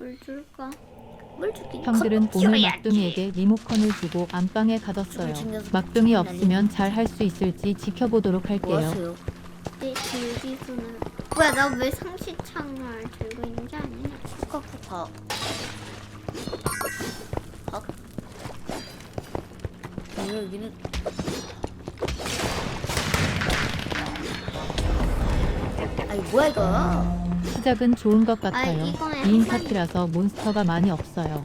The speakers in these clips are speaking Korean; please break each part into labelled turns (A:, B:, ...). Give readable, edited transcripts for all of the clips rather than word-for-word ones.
A: 물 줄까? 물 주긴
B: 형들은
A: 컵
B: 오늘
A: 키워야지.
B: 막둥이에게 리모컨을 주고 안방에 가뒀어요. 막둥이 없으면 잘 할 수 있을지 지켜보도록
C: 뭐
B: 할게요.
C: 하세요?
A: 내 들기수는 뭐야? 나 왜 상시창을 들고 있는 게 아니야?
C: 쿡쿡쿡 박 여기는 아이 뭐야 이거?
B: 시작은 좋은 것 같아요.
A: 이거는
B: 2인
A: 한
B: 파티라서 몬스터가 많이 없어요.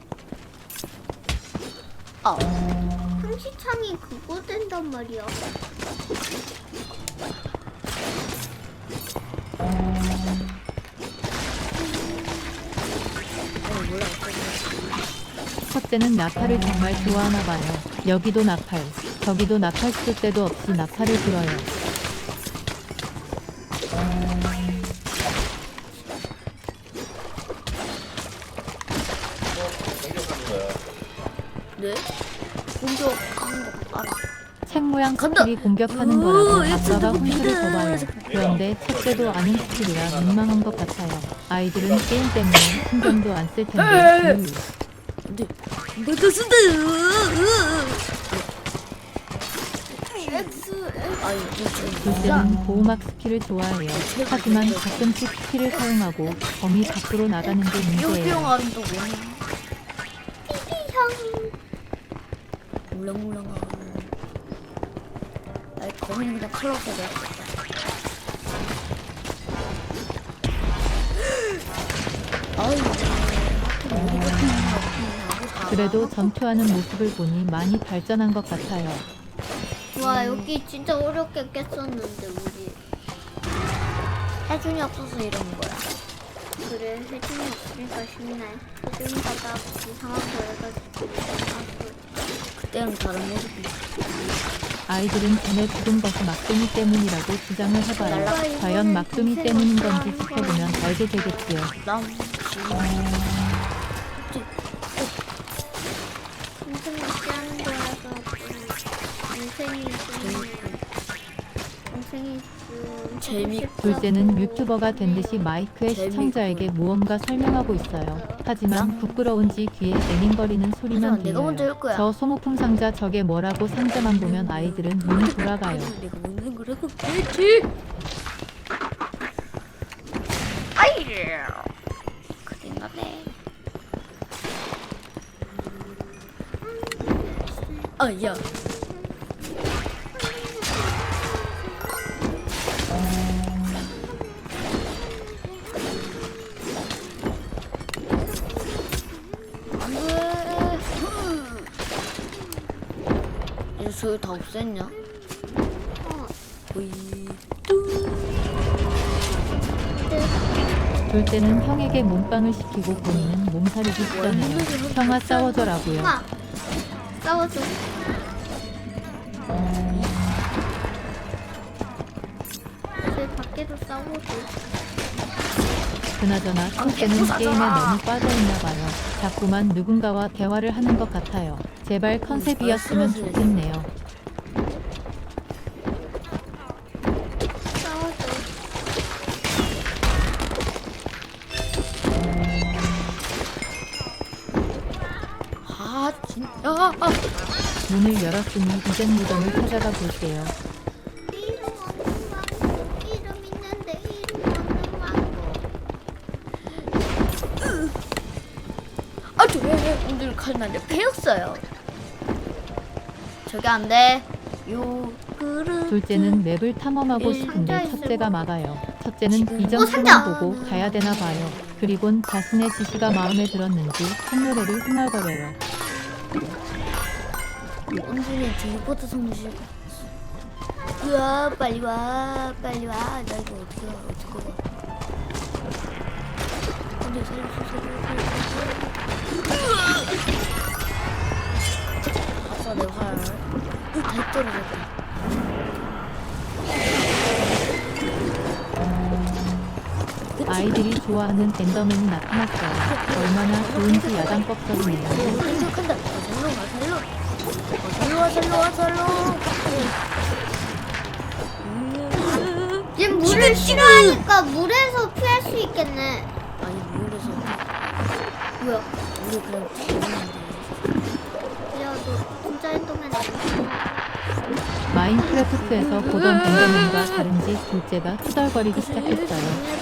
A: 상시창이 그거 된단 말이야.
C: 몰라.
B: 첫째는 나팔을 정말 좋아하나 봐요. 여기도 나팔, 저기도 나팔 쓸 때도 없이 나팔을 불어요.
C: 네? 공격하는 거 알아.
B: 책 모양
C: 간다!
B: 스킬이 공격하는 거라고 아빠가
C: 엑스도
B: 훈수를
C: 미드!
B: 줘봐요. 그런데 첫째도 아는 스킬이라 민망한 것 같아요. 아이들은 게임 때문에 신경도 안 쓸 텐데.
C: 근데 내가 쓴다. 아이
B: 둘째는 보호막 스킬을 좋아해요. 하지만 가끔씩 스킬을 사용하고 범위 밖으로 나가는 게 문제예요.
C: 뿅뿅하는 또 뭐냐?
A: 형.
C: 물렁물렁한. 아이 거미는 그냥 칼로 써야 아이
B: 그래도 전투하는 모습을 보니 많이 발전한 것 같아요.
A: 와 여기 진짜 어렵게 깼었는데 우리.
C: 해준이 없어서 이러는 거야.
A: 그래 혜진이 없으니까 쉽네. 혜진이가 나 이상한 거 해가지고
C: 그때는 다른 모습이.
B: 아이들은 전에 죽은 것이 막둥이 때문이라고 주장을 해봐요. 과연 막둥이 때문인 건지 지켜보면 알게 되겠지요.
C: 남.
A: 인생 맞지 않은 거라서 인생이
C: 재밌고.
B: 둘째는 유튜버가 된 듯이 마이크에 시청자에게 무언가 설명하고 있어요. 하지만 부끄러운지 귀에 애닝거리는 소리만
C: 하지만 내가 먼저
B: 들려요.
C: 할 거야.
B: 저 소모품 상자 저게 뭐라고 상자만 보면 아이들은 눈이 돌아가요.
C: 내가 먹는 거라고 그랬지. 아이. 그랬나네. 아야. 안돼. 이제 저기 다 없앴냐? 오이.
B: 둘째는 형에게 몸빵을 시키고 본인은 몸살이기 시작해요. 형아 싸워줘라고요.
A: 엄마 싸워줘. 이제 밖에서 싸워줘.
B: 그나저나 첫째는 게임에 너무 빠져있나 봐요. 자꾸만 누군가와 대화를 하는 것 같아요. 제발 컨셉이었으면 좋겠네요.
A: 싸워줘.
C: 아 진짜.
B: 문을 열었으니 이젠 무덤을 찾아가 볼게요.
A: 이름 없는 망고. 이름 있는데 이름 없는 망고.
C: 아, 왜 오늘 칼날에 패였어요. 저기 안 돼. 요 그릇.
B: 둘째는 맵을 탐험하고 싶은데 첫째가 막아요. 첫째는 이전
A: 상자!
B: 표만 보고 가야 되나 봐요. 그리곤 자신의 지시가 마음에 들었는지 콧노래를 흥얼거려요.
C: 온준이 딜보드 성질. 으아 빨리 와 빨리 와. 나 이거 어떻게 와. 근데 살려주세요. 아싸 내 활. 다 떨어졌다.
B: 아이들이 좋아하는 엔더맨이 나타났어요. 얼마나 좋은지 야단법석이네요.
C: 생각한다. 살로 와.
A: 얘 물을 싫어하니까 물에서 피할 수 있겠네.
C: 아니 물에서
A: 뭐야?
C: 우리 그냥 죽었는데.
A: 야, 너 진짜 엔더맨 아니야?
B: 마인크래프트에서 보던 엔더맨과 다른지 둘째가 투덜거리기 시작했어요.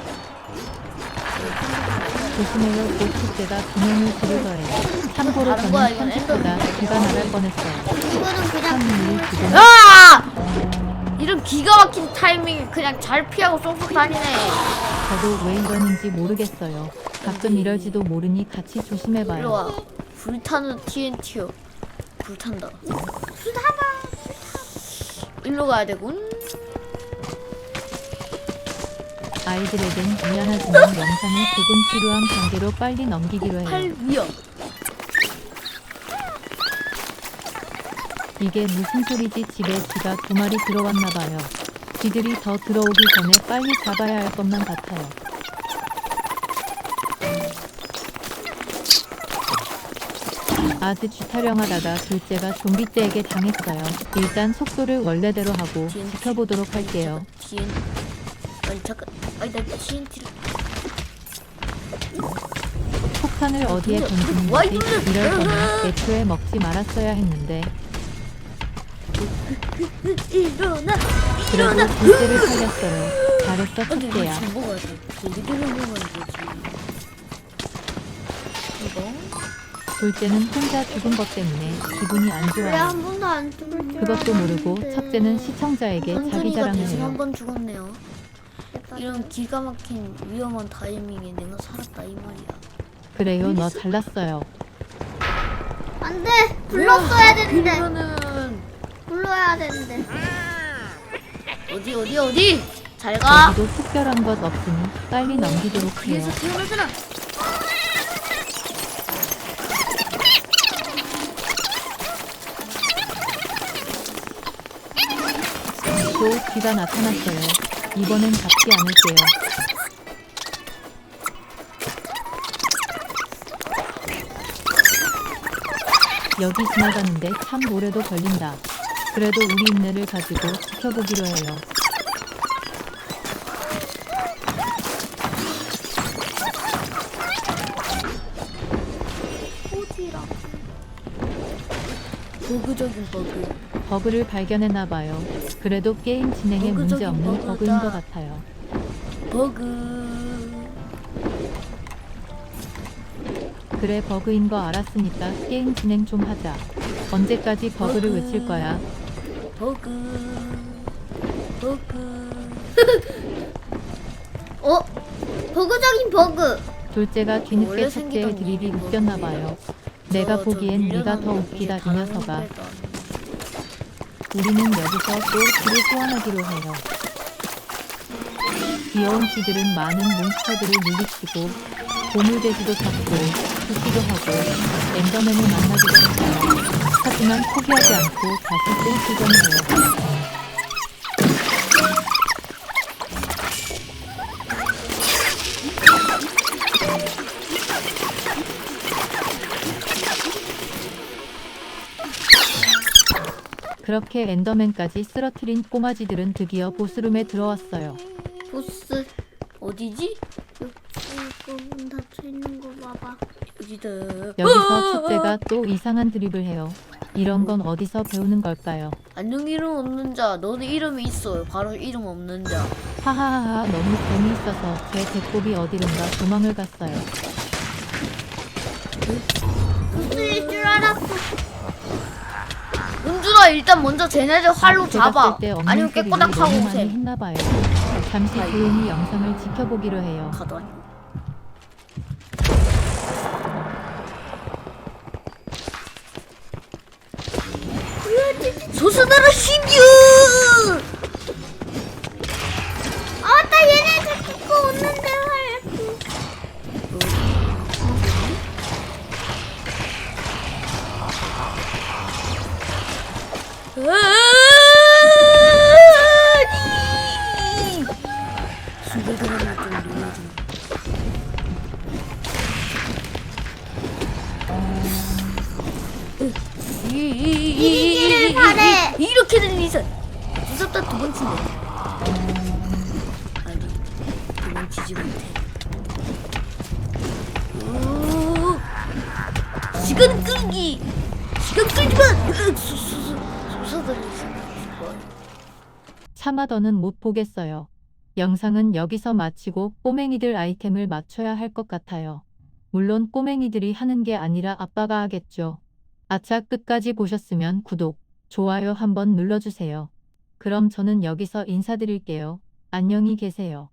B: 조심해요. 곧 둘째가 분명을 지르더래요. 참고로
C: 다른 거야,
B: 저는
C: 이건
B: 현실보다 귀가 나갈 뻔했어요.
A: 이거는 그냥
B: 참이 지금
C: 아! 이런 기가 막힌 타이밍에 그냥 잘 피하고 쏙쏙 다니네.
B: 저도 왜 이러는지 모르겠어요. 가끔 이럴지도 모르니 같이
C: 일로
B: 조심해봐요.
C: 와. 불타는 TNT요. 불탄다. 일로 가야 되군.
B: 아이들에겐 미안하지만 영상이 조금 지루한 관계로 빨리 넘기기로 해요.
C: 팔 위험.
B: 이게 무슨 소리지? 집에 쥐가 2마리 들어왔나봐요. 쥐들이 더 들어오기 전에 빨리 잡아야 할 것만 같아요. 아드 쥐 타령하다가 둘째가 좀비떼에게 당했어요. 일단 속도를 원래대로 하고 지켜보도록 할게요.
C: TNT. 아니 잠깐. 아니 나 TNT를.
B: 폭탄을 어디에 던지는
C: 와,
B: 거지?
C: 이거는-
B: 이럴 거면 애초에 먹지 말았어야 했는데.
C: 일어나.
B: 그래도 둘째를 살렸어요. 잘했어
C: 근데 이거
B: 첫째야.
C: 좀 먹어야 돼. 고기들을 먹으면 되지. 이거.
B: 둘째는 혼자 죽은 것 때문에 기분이 안
A: 왜
B: 좋아요.
A: 한 번도 안 죽을 줄
B: 그것도 모르고
A: 알았는데.
B: 첫째는 시청자에게 자기
C: 현준이가
B: 자랑을
C: 대신
B: 해요.
C: 한 번 죽었네요. 이런 기가 막힌 위험한 타이밍에 내가 살았다 이 말이야.
B: 그래요, 너 잘났어요.
A: 안 돼! 불렀어야 되는데!
C: 이거는
A: 불러야 되는데.
C: 어디? 잘 가.
B: 여기도 특별한 것 없으니 빨리 넘기도록 해요.
C: 뒤에서 태어나잖아.
B: 또 쥐가 나타났어요. 이번엔 잡지 않을게요. 여기 지나가는데 참 오래도 걸린다. 그래도 우리 인내를 가지고 지켜보기로 해요.
C: 보그적인 버그.
B: 버그를 발견했나봐요. 그래도 게임 진행에 문제 없는
C: 버그적인
B: 버그인 것
C: 버그다.
B: 같아요.
C: 버그.
B: 그래, 버그인 거 알았으니까 게임 진행 좀 하자. 언제까지 버그를
C: 버그.
B: 외칠 거야?
C: 버그.
A: 어? 버그적인 버그!
B: 둘째가
C: 원래
B: 뒤늦게
C: 생기던
B: 첫째의 드립이
C: 일이
B: 웃겼나봐요. 내가 보기엔 네가 더 웃기다 이 녀석아. 우리는 여기서 또 쥐를 소환하기로 해요. 귀여운 쥐들은 많은 몬스터들을 물리치고 보물돼지도 잡고 죽기도 하고 엔더맨을 만나기도 했어요. 하지만 포기하지 않고 다시 또 도전해요. 그렇게 엔더맨까지 쓰러뜨린 꼬마쥐들은 드디어 보스룸에 들어왔어요.
A: 보스.
C: 어디지?
A: 이거 문 닫혀있는 거 봐봐.
C: 어디다.
B: 여기서 첫째가 또 이상한 드립을 해요. 이런 건 어디서 배우는 걸까요?
C: 안녕 이름 없는 자. 너는 이름이 있어요. 바로 이름 없는 자.
B: 하하하하, 너무 재미있어서 제 배꼽이 어디론가 도망을 갔어요.
A: 보스일 줄 알았어.
C: 은준아 일단 먼저 쟤네들 활로
B: 제가
C: 잡아.
B: 쓸때 없는
C: 아니면
B: 소리를
C: 깨꼬닥 하고
B: 너무 많이
C: 오세요.
B: 했나봐요. 잠시 조용히 영상을 지켜보기로 해요.
C: 가다니. 소수나라 신규.
A: 아, 맞다! 얘네 다 죽고 오는데 할.
C: 순간적으로 좀 눌러줘.
A: 이기기를 바래.
C: 이렇게 된 리선 무섭다. 두 번째네. 아니 도망치지 못해. 시간 끌기. 시간 끌기만. 솟아다니지.
B: 차마 더는 못 보겠어요. 영상은 여기서 마치고 꼬맹이들 아이템을 맞춰야 할 것 같아요. 물론 꼬맹이들이 하는 게 아니라 아빠가 하겠죠. 아차, 끝까지 보셨으면 구독, 좋아요 한번 눌러주세요. 그럼 저는 여기서 인사드릴게요. 안녕히 계세요.